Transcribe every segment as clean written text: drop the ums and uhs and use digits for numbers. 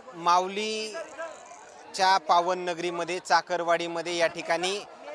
माऊलीच्या पावन नगरीमध्ये चाकरवाडीमध्ये या ठिकाणी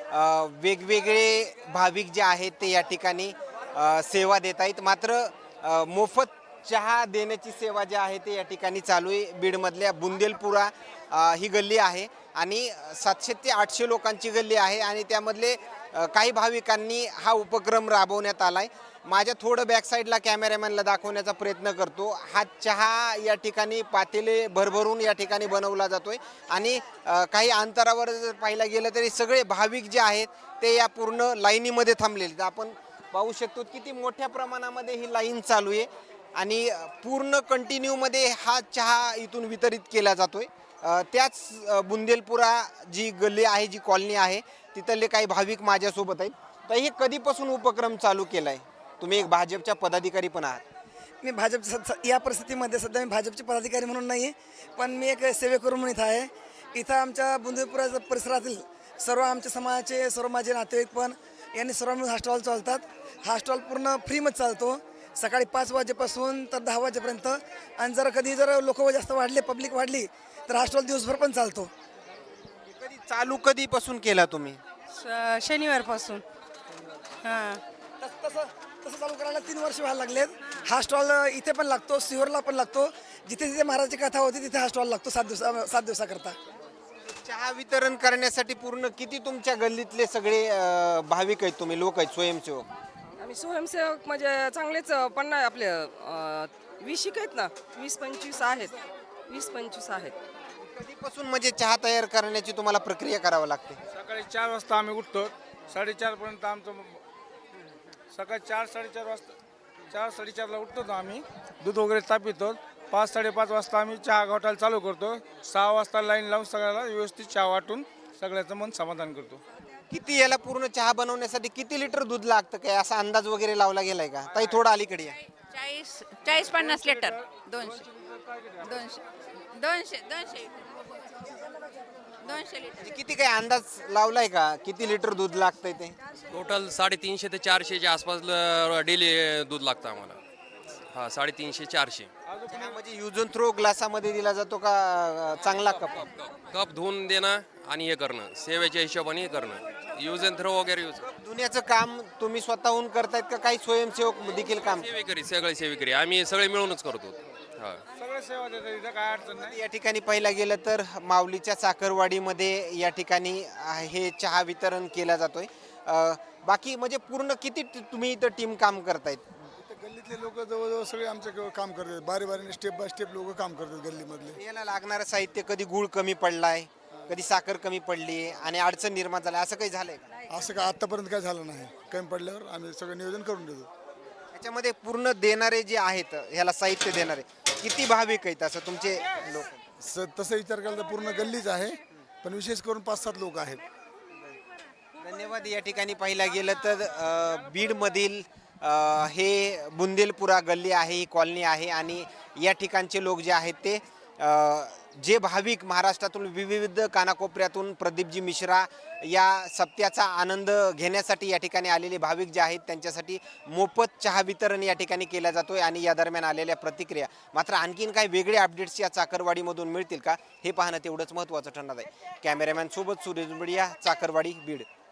वेगवेगळे भाविक जे आहेत ते या ठिकाणी सेवा देत आहेत. मात्र मोफत चहा देण्याची सेवा जी आहे ते या ठिकाणी चालू आहे. बीडमधल्या बुंदेलपुरा ही गल्ली आहे आणि 700 ते 800 लोकांची गल्ली आहे आणि त्यामधले काही भाविकांनी हा उपक्रम राबवण्यात आला आहे. माझ्या थोडं बॅक साईडला कॅमेरामॅनला दाखवण्याचा प्रयत्न करतो. हा चहा या ठिकाणी पातेले भरभरून या ठिकाणी बनवला जातोय आणि काही अंतरावर जर पाहायला गेलं तरी सगळे भाविक जे आहेत ते या पूर्ण लाईनीमध्ये थांबलेले. आपण पाहू शकतो किती मोठ्या प्रमाणामध्ये ही लाईन चालू आहे आणि पूर्ण कंटिन्यूमध्ये हा चहा इथून वितरित केला जातोय. त्याच बुंदेलपुरा जी गल्ली आहे, जी कॉलनी आहे, तिथले काही भाविक माझ्यासोबत आहेत. तर हे कधीपासून उपक्रम चालू केला आहे? तुम्ही एक भाजपच्या पदाधिकारी पण आहात. मी या परिस्थितीमध्ये सध्या मी भाजपचे पदाधिकारी म्हणून नाही, पण मी एक सेवेकरू म्हणून इथं आहे. इथं आमच्या बुंदेलपुरा परिसरातील सर्व आमच्या समाजाचे सर्व माझे नातेवाईक पण यांनी सर्व मिळून हा स्टॉल चालतात. हा स्टॉल पूर्ण फ्रीमध्ये चालतो, सकाळी 5 वाजेपासून तर 10 वाजेपर्यंत. आणि जर लोक जास्त वाढले, पब्लिक वाढली, तर हा स्टॉल दिवसभर पण चालतो. कधीपासून केला तुम्ही? शनिवारपासून. हां, तसं चालू करायला 3 वर्ष व्हायला लागलेत. हा स्टॉल इथे पण लागतो, सिहोरला पण लागतो. जिथे जिथे महाराजची कथा होती तिथे हा स्टॉल लागतो 7 दिवसाकरता. चहा वितरण करण्यासाठी पूर्ण किती तुमच्या गल्लीतले सगळे भाविक आहेत, तुम्ही लोक आहेत, स्वयंसेवक? आम्ही स्वयंसेवक म्हणजे चांगलेच 50 आपले 20 आहेत ना, 20-25 आहेत. 20-25 आहेत. कधीपासून म्हणजे चहा तयार करण्याची तुम्हाला प्रक्रिया करावी लागते? सकाळी 4 वाजता आम्ही उठतो. 4:30 पर्यंत आमचं सकाळी 4-4:30 वाजता 4-4:30ला उठतो आम्ही. दूध वगैरे तापितो. 5-5:30 वाजता आम्ही चहा घोटायला चालू करतो. 6 वाजता लाईन लावून सगळ्याला व्यवस्थित चहा वाटून सगळ्याचं मन समाधान करतो. किती याला पूर्ण चहा बनवण्यासाठी किती लिटर दूध लागतं, काय असा अंदाज वगैरे लावला गेलाय का? ताई थोडं अलीकडे या. 40-50 लिटर. 200 लिटर. म्हणजे किती काय अंदाज लावलाय का, किती लिटर दूध लागतंय ते? टोटल 350 ते 400च्या आसपास डेली दूध लागतं आम्हाला. हां, 350-400. म्हणजे यूज अँड थ्रो ग्लासामध्ये दिला जातो का चांगला कप? कप धुवून देणं आणि हे करणं, सेवेच्या हिशोबाने हे करणं, यूज अँड थ्रो वगैरे यूज. धुण्याचं काम तुम्ही स्वतःहून करतायत का काही स्वयंसेवक देखील काम? सगळे सेवेकरी आम्ही सगळे मिळूनच करतो. हां, सगळे सेवा देतात, इथं काय अडचण नाही. या ठिकाणी पाहिलं गेलं तर माऊलीच्या चाकरवाडीमध्ये या ठिकाणी हे चहा वितरण केला जातोय. बाकी म्हणजे पूर्ण किती तुम्ही इथं टीम काम करतायत? गल्लीतले लोक जवळजवळ सगळे आमचे काम करतात. बारीने स्टेप बाय स्टेप लोक काम करतात गल्लीमधले. याला लागणारं साहित्य, कधी गुळ कमी पडलाय, कधी साखर कमी पडली आणि अडचण निर्माण झाली, असं काही झालंय का? असं काय आतापर्यंत काय झालं नाही. कमी पडल्यावर आम्ही सगळं नियोजन करून देतो. त्याच्यामध्ये पूर्ण देणारे जे आहेत, ह्याला साहित्य देणारे किती भाविक आहेत असं तुमचे लोक? तसं विचार केला तर पूर्ण गल्लीच आहे, पण विशेष करून 5-7 लोक आहेत. धन्यवाद. या ठिकाणी पाहिलं गेलं तर बीडमधील हे बुंदेलपुरा गल्ली आहे, ही कॉलनी आहे आणि या ठिकाणचे लोक जे आहेत ते जे भाविक महाराष्ट्रातून विविध कानाकोपऱ्यातून प्रदीपजी मिश्रा या सप्त्याचा आनंद घेण्यासाठी या ठिकाणी आलेले भाविक जे आहेत त्यांच्यासाठी मोफत चहा वितरण या ठिकाणी केला जातोय आणि या दरम्यान आलेल्या प्रतिक्रिया. मात्र आणखीन काही वेगळे अपडेट्स या चाकरवाडीमधून मिळतील का, हे पाहणं तेवढंच महत्त्वाचं ठरणार आहे. कॅमेरामॅन सोबत सुरेश बुडिया, चाकरवाडी, बीड.